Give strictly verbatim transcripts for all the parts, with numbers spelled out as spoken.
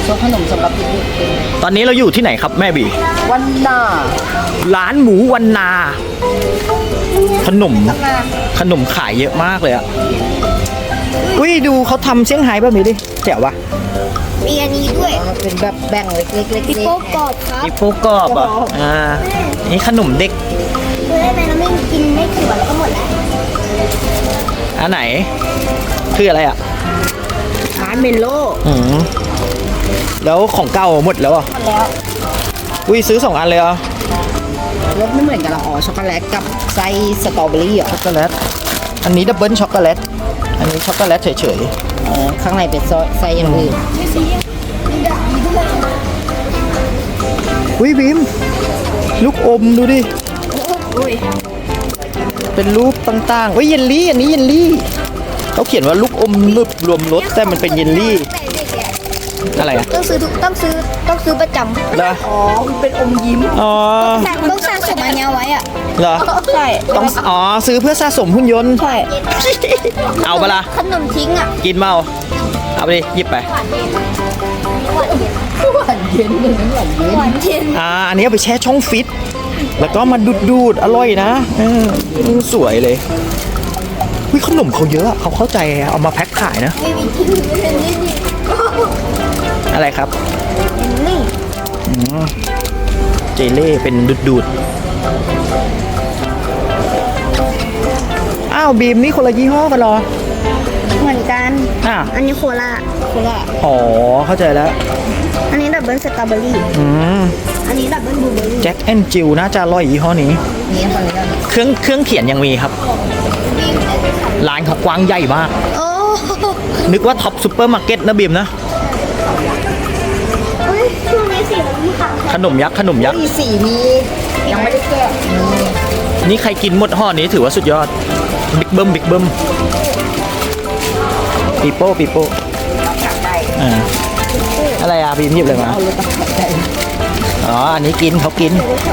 ซดขนมสำหรับเด็กๆเป็นตอนนี้เราอยู่ที่ไหนครับแม่บีวันนาร้านหมูวันนา ขนมขนมขายเยอะมากเลยอ่ะอุ้ยดูเขาทำเซี่ยงไฮ้แบบนี้ดิแจ๋ววะมีอันนี้ด้วยเป็นแบบแบ่งเล็กๆเล็กพี่โป๊กกรอบครับมีโฟกรอบอ่ะอ่านี่ขนมเด็กคือได้ไหมเราไม่กินไม่ถึงวันก็หมดแล้วอันไหนคืออะไรอ่ะๆร้านเมนโลอืมแล้วของเก่าหมดแล้วอ่ะหมดแล้วอุ้ยซื้อสองอันเลยเหรอ่ะรสไม่เหมือนกันละอ๋อช็อกโกแลตกับไส้สตรอเบอรี่เหรอช็อกโกแลตอันนี้ดับเบิลช็อกโกแลตอันนี้ช็อกโกแลตเฉยอ๋อข้างในเป็นไส้อย่างอื่นๆอุ้ยบีมลูกอมดูดิอุ้ยเป็นรูปต่างๆเฮ้ยเยลลี่อันนี้เยลลี่เขาเขียนว่าลูกอมนึบรวมรสแต่มันเป็นเยลลี่แต่เด็กเนี่ยอะไรอ่ะต้องซื้อทุกต้องซื้อต้องซื้อประจำเหรออ๋อมันเป็นอมยิ้มอ๋อต้องสร้างสมอันเนี้ยไว้อ่ะเหรอใช่ต้องอ๋อซื้อเพื่อสะสมหุ่นยนต์ใช่เอาปะล่ะขนมทิ้งอ่ะกินเมาเอาไปดิหยิบไปหวานเย็นหวานเย็นเลยนะหวานเย็นหวานเย็นอ่าอันนี้เอาไปแช่ช่องฟิตแล้วก็มาดูดดูดๆอร่อยนะเออสวยเลยวิขนมเขาเยอะอะเขาเข้าใจเอามาแพ็คขายนะไม่มีกินไม่เป็นนี่นี่อะไรครับนี่อืมเจเล่เป็นดูดดูดอ้าวบีมนี่คนละยี่ห้อกันเหรอเหมือนกันอ่ะอันนี้โคลาโคลาอ๋อเข้าใจแล้วอันนี้ดับเบิลสตรอเบอรี่อืมอันนี้ดับเบิลบลูเบอรี่แจ็คแอนจิลน่าจะอร่อยยี่ห้อนี้นี่คนนี้กันเครื่องเครื่องเขียนยังมีครับ ร้านเขากว้างใหญ่มากโอ้นึกว่าท็อปซูเปอร์มาร์เก็ตนะบีมนะเฮ้ยช่วงนี้สีมันมีขาวขนมยักษ์ขนมยักษ์มีสีมียังไม่ได้แกะมีนี่ใครกินหมดห่อนี้ถือว่าสุดยอด บิ๊กเบิ้มบิ๊กเบิ้มปีโป้ปีโป้ตักได้อ่าอะไรอ่ะบีมหยิบเลยมาเอาเลยตักได้อ๋อ อันนี้กินเขากิน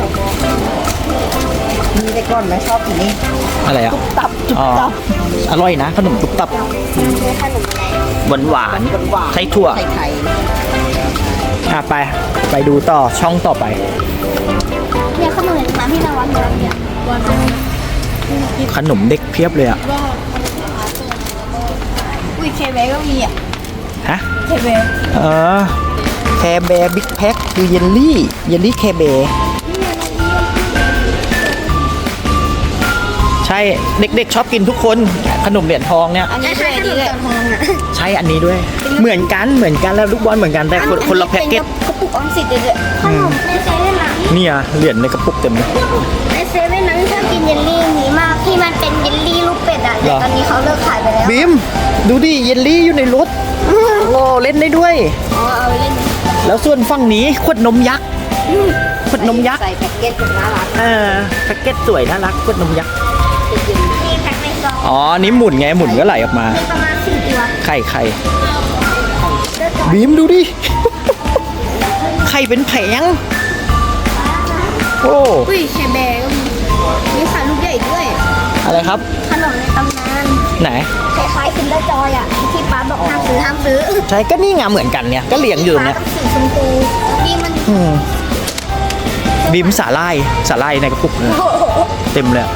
มีแต่ก่อนไม่ชอบกินนี่อะไรอ่ะตับจุกอ๋อตับอร่อยนะ ขนมตุบตับเป็นขนมอะไรหวานหวานหวานๆไส้ถั่วไข่ไข่อ่ะไป ไปดูต่อช่องต่อไปเนี่ยขนมอะไรที่เราวันเดียวเนี่ยวันขนมเด็กเพียบเลยอ่ะอุ้ยเคเบก็มีอ่ะฮะเคเบเออแคร์แบร์บิ๊กแพ็คคือเยลลี่ เยลลี่แคร์แบร์ใช่เด็กๆชอบกินทุกคนขนมเหรียญทองเนี่ยอันนี้ด้วยอันนี้ด้วยทองอ่ะใช่อันนี้ด้วย เหมือนกันเหมือนกันแล้วลูกบอลเหมือนกันแต่คนคนละแพ็กเกจกระปุกออมสินเลยด้วยขนมในเซเว่นนะเนี่ยเหรียญในกระปุกเต็มเลยในเซเว่นนั้นชอบกินเยลลี่นี้มากที่มันเป็นเยลลี่ลูกเป็ดอ่ะแต่ตอนนี้เขาเลิกขายไปแล้วบีมดูดิเยลลี่อยู่ในรถโอ้เล่นได้ด้วยอ๋อเอาไปเล่นแล้วส่วนฝั่งนี้ขวดนมยักษ์ขวดนมยักษ์ใส่แพ็กเกจเป็นน่ารักเออแพ็กเกจสวยน่ารักขวดนมยักษ์นี่แพ็คในซองอ๋อนี่หมุนไงหมุนก็ไหลออกมามีประมาณสี่ตัวไข่ไข่บีมดูดิ ไข่เป็นแผงโอ้อุ้ยเคเบก็มีมีขายลูกใหญ่ด้วยอะไรครับขนมในตำนานไหนคล้ายๆคินเดอร์จอยอ่ะที่ป้าบอกห้ามซื้อห้ามซื้อใช่ก็นี่ไงเหมือนกันเนี่ยก็เลี้ยงอยู่เนี่ยป้าต้องสีชมพูนี่มันอืมบีมสาลายสาลายในกระปุกเนี่ยเต็มเลยอะ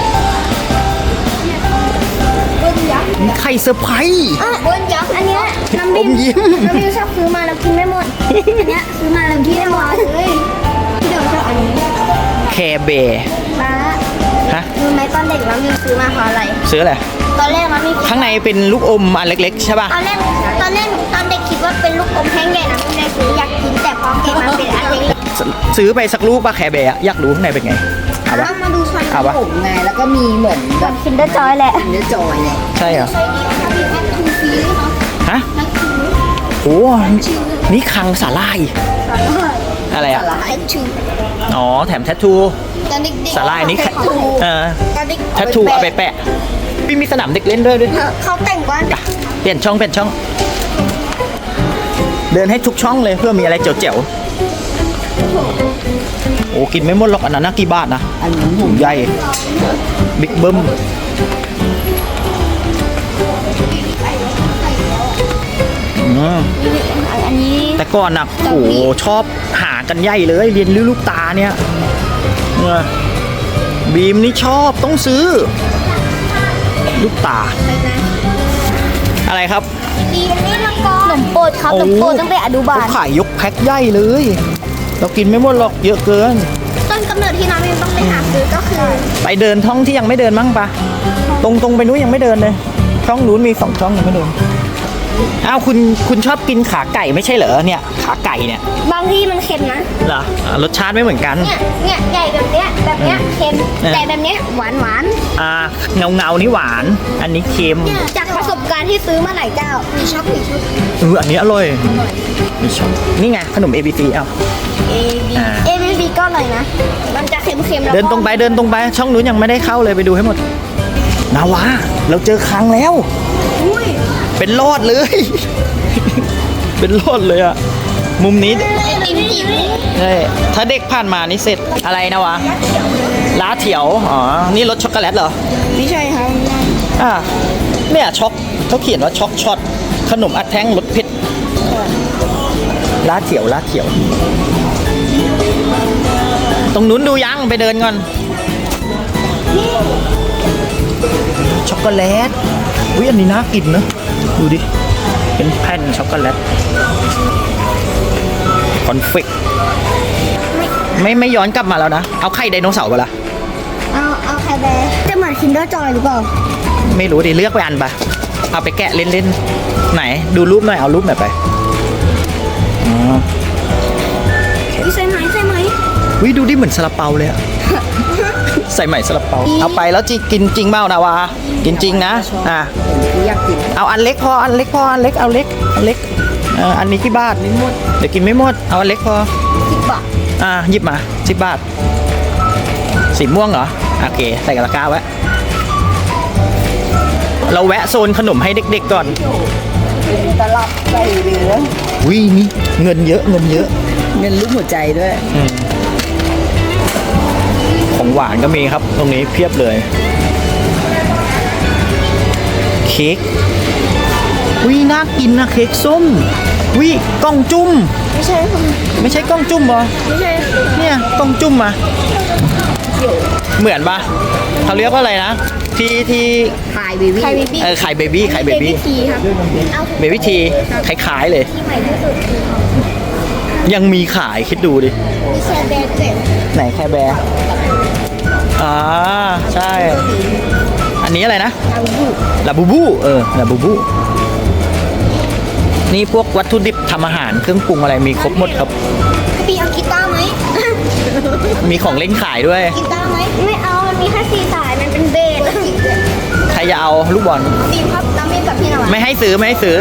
เบิ้ลยักษ์มีไข่เซอร์ไพรส์อ่ะเบิ้ลยักษ์อันเนี้ยน้ำบิอมยิ้มน้ำบิวชอบซื้อมาแล้วกินไม่หมดอันเนี้ยซื้อมาแล้วกินไม่หมดเลยพี่เดี๋ยวชอบอันนี้แคร์แบร์ป้าฮะรู้ไหมตอนเด็กน้ำบิวซื้อมาเพราะอะไรซื้ออะไรตอนแรกน้ำบิวข้างในเป็นลูกอมอันเล็กๆใช่ป่ะตอนแรกตอนแรกตอนเด็กคิดว่าเป็นลูกอมแห้งใหญ่น้ำบิวเลยซื้ออยากกินแต่พอเก็บมาเป็นอันเล็กซซื้อไปสักลูกป่ะแคร์แบร์อะอยากรู้ข้างในเป็นไงเอาปะต้องมาดูช้อนเอาปะผมไงแล้วก็มีเหมือนแบบคินเดอร์จอยแหละเนื้อจอยเนี่ยใช่เหรอใช้ดีนะคะพี่แอปทูฟีด้วยเนาะฮะนักชิวโอ้นี่คังสาลายอะไรอ่ะสาหร่ายแอปชูอ๋อแถมแทททูตอนเด็กๆสาลายนี่แค่เขาเออตอนเด็กแทททูเอาไปแปะพี่มีสนามเด็กเล่นด้วยด้วยเขาแต่งว่าอ่ะเปลี่ยนช่องเปลี่ยนช่อง เดินให้ทุกช่องเลยเพื่อมีอะไรเจ๋วๆโอ้กินไม่หมดหรอกอันนั้นนะกี่บาทนะอันนี้ผถุมงใหญ่บิ๊กเบิ้มอืมอันนี้แต่ก่อนน่ะโอ้โหชอบหากันใหญ่เลยเรียนลูกตาเนี่ยเนี่ยบีมนี่ชอบต้องซื้อ ลูกตา อะไรครับดีอันนี้ละกอนขนมโปรดครับขนมโปรดตั้งแต่อนุบาลเขาขายยกแพ็คใหญ่เลย เรากินไม่หมดหรอกเยอะเกินต้นกำเนิดที่น้องยังต้องไปหาซื้อก็คือไปเดินท่องที่ยังไม่เดินมั้งปะตรงตรงไปนู้นยังไม่เดินเลย ช่องนู้นมีสองช่องยังไม่เดินอ้าวคุณคุณชอบกินขาไก่ไม่ใช่เหรอเนี่ยขาไก่เนี่ยบางที่มันเค็มนะเหรออ่ารสชาติไม่เหมือนกันเนี่ยเนี่ยใหญ่แบบเนี้ยแบบเนี้ยเค็มเออใหญ่แบบเนี้ยหวานหวานอ่าเงาเงาๆนี่หวาน อันนี้เค็มเนี่ยจากประสบการณ์ที่ซื้อมาหลายเจ้ามีช็อกมีชุดเอออันนี้อร่อยมีช็อตนี่ไงขนม เอ บี ซี อ้าว A B อ่า A B B ก็อร่อยนะ มันจะเค็มๆแล้วก็เดินตรงไปเดินตรงไปช่องนู้นยังไม่ได้เข้าเลยไปดูให้หมดนาวาเราเจอครั้งแล้วอุ้ยเป็นรอดเลย เป็นรอดเลยอะมุมนี้ไอติมจิ๋วใช่ถ้าเด็กผ่านมานี่เสร็จอะไรนะวะล้าเถียวอ๋อนี่รสช็อกโกแลตเหรอไม่ใช่ครับอ่าเนี่ยช็อกเขาเขียนว่าช็อกช็อตขนมอัดแท่งรสเผ็ดล้าเถียวล้าเถียว ตรงนู้นดูยังไปเดินก่อนช็อกโกแลตอุ้ยอันนี้น่ากินเนอะดูดิเป็นแผ่นช็อกโกแลตคอนเฟกไม่ไม่ย้อนกลับมาแล้วนะเอาไข่ไดโนเสาร์ไปละเอาเอาแคร์แบร์จะเหมือนคินเดอร์จอยหรือเปล่าไม่รู้ดิเลือกไปอันปะเอาไปแกะเล่นๆไหนดูรูปหน่อยเอารูปหน่อยไปอ๋อวิใช่ไหมใช่ไหมวิดูดิเหมือนซาลาเปาเลยอะ ใส่ใหม่ซาลาเปาเอาไปแล้วจิกินจริงเปล่านาวากินจริงนะอ่ะที่อยากกินเอาอันเล็กพออันเล็กพออันเล็กเอาเล็กอันเล็กเอออันนี้กี่บาทไม่หมดเดี๋ยวกินไม่หมดเอาอันเล็กพอสิบบาทอ่าหยิบมาสิบบาทสีม่วงเหรอโอเคใส่กระกาไว้เราแวะโซนขนมให้เด็กๆก่อนตลับใส่เหลือวินี่เงินเยอะเงินเยอะเงินลูกหัวใจด้วยอืมของหวานก็มีครับตรงนี้เพียบเลยเค้กวิน่ากินนะเค้กส้มวิกล้องจุ้มไม่ใช่ค่ะไม่ใช่กล้องจุ้มเหรอไม่ใช่เนี่ยกล้องจุ้มมาเหมือนปะเขาเรียกว่าอะไรนะที่ที่พายเบบี้ใครบีบี้เออไข่เบบี้ไข่เบบี้ทีครับเอาเบบี้ทีคล้ายๆเลยที่ใหม่ที่สุดยังมีขายคิดดูดิมีแคร์แบร์เจ็ดไหนแคร์แบร์อ่าใช่ อันนี้อะไรนะลาบูบูลาบูบูเออลาบูบูนี่พวกวัตถุดิบทำอาหารเครื่องปรุงอะไรมีครบหมดครับปีเอากีตาร์ไหมมีของเล่นขายด้วยกีตาร์ไหมไม่เอามันมีแค่สี่สายมันเป็นเบสใครจะเอาลูกบอลดีมครับน้ำมีกับพี่หน่อยไม่ให้ซื้อไม่ให้ซื้อ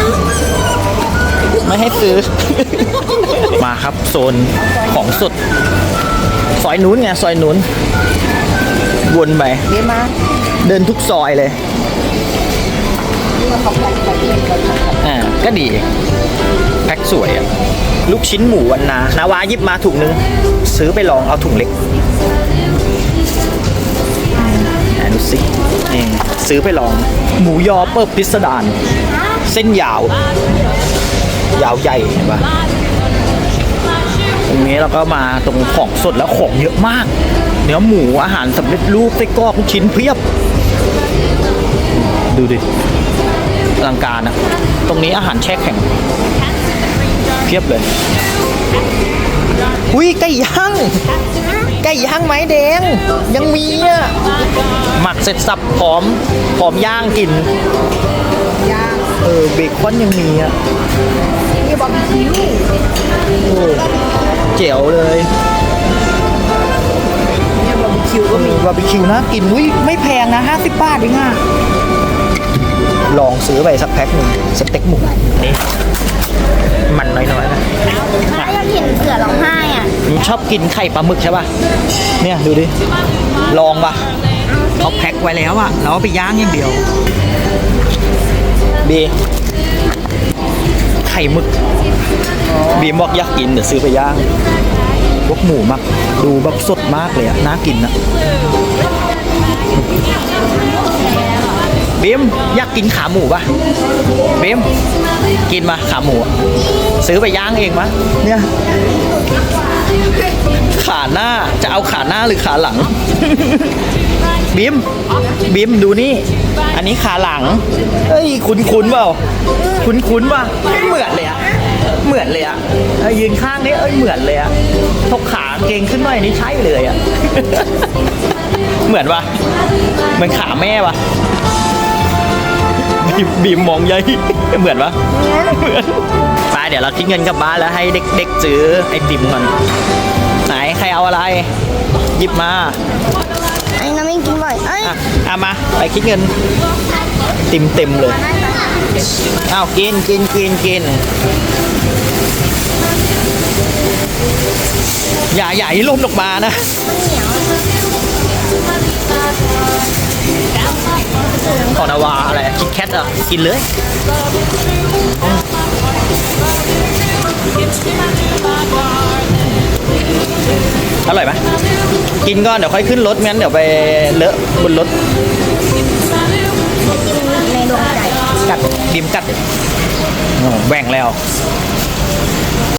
ไม่ให้ซื้อ มาครับโซนของสดซอยนู้นไงซอยนู้นวนไปเรียกมาเดินทุกซอยเลยเขาแพ็คไปเองเขาแพ็คอ่าก็ดีแพ็คสวยอะลูกชิ้นหมูวันนานาวาหยิบมาถุงนึง ซื้อไปลองเอาถุงเล็กอ่าดูสินี่ซื้อไปลอง หมูยอเปิบพิสดารเส้นยาว ยาวใหญ่เห็นปะตรงนี้เราก็มาตรงของสดแล้วของเยอะมาก เนื้อหมูอาหารสำเร็จรูปไส้กรอกลูกชิ้นเพียบ ดูดิอลังการนะตรงนี้อาหารแช่แข็งเพียบเลยอุ้ยไก่ย่างไก่ย่างไม้แดงยังมีอ่ะหมักเสร็จสับพร้อมพร้อมย่างกินย่างเออเบคอนยังมีอ่ะนี่บาร์บีคิวโอ้เจ๋วเลยเนี่ยบาร์บีคิวก็มีบาร์บีคิวนะกินอุ้ยไม่แพงนะห้าสิบบาทเองอ่ะลองซื้อไปสักแพ็คหนึ่งสเต็กหมูนี่มันน้อยๆนะถ้าอยากเห็นเสือร้องไห้อ่ะผมชอบกินไข่ปลาหมึกใช่ป่ะเนี่ยดูดิลองป่ะเขาแพ็คไว้แล้วอ่ะเราเอาไปย่างอย่างเดียวบีไข่หมึกบีบอกอยากกินเดี๋ยวซื้อไปย่างพวกหมูมักดูแบบสดมากเลยอ่ะน่ากินอ่ะบีมอยากกินขาหมูป่ะบีมกินมาขาหมูอะซื้อไปย่างเองมะเนี่ยขาหน้าจะเอาขาหน้าหรือขาหลัง บีมบีมดูนี่ อันนี้ขาหลังเอ้ยคุ้นคุ้นๆเปล่าคุ้นคุ้นๆป่ะเหมือนเลยอะเหมือนเลยอะเอ้ยยืนข้างนี้เอ้ยเหมือนเลยอะทกขาเก่งขึ้นหน่อยนี่ใช่เลยอะ เหมือนปะเหมือนขาแม่ปะบีมบีมมองใหญ่ เหมือนปะเหมือนไปเดี๋ยวเราคิดเงินกลับบ้านแล้วให้เด็กๆซื้อไอติมก่อนไหนใครเอาอะไร หยิบมาไอ้น้ำไม่กินบ่อยเอ้ยอ่ะเอามาไปคิดเงินเต็มเต็มๆเลยอ้าวกินกินกินกินอย่าอย่าให้ล่มออกมานะขอนาวาอะไรคิดแคทอ่ะกินเลยอร่อยไหมกินก่อนเดี๋ยวค่อยขึ้นรถงั้นเดี๋ยวไปเลอะบนรถในดวงใจกัดดิมกัดโอ้แหว่งแล้ว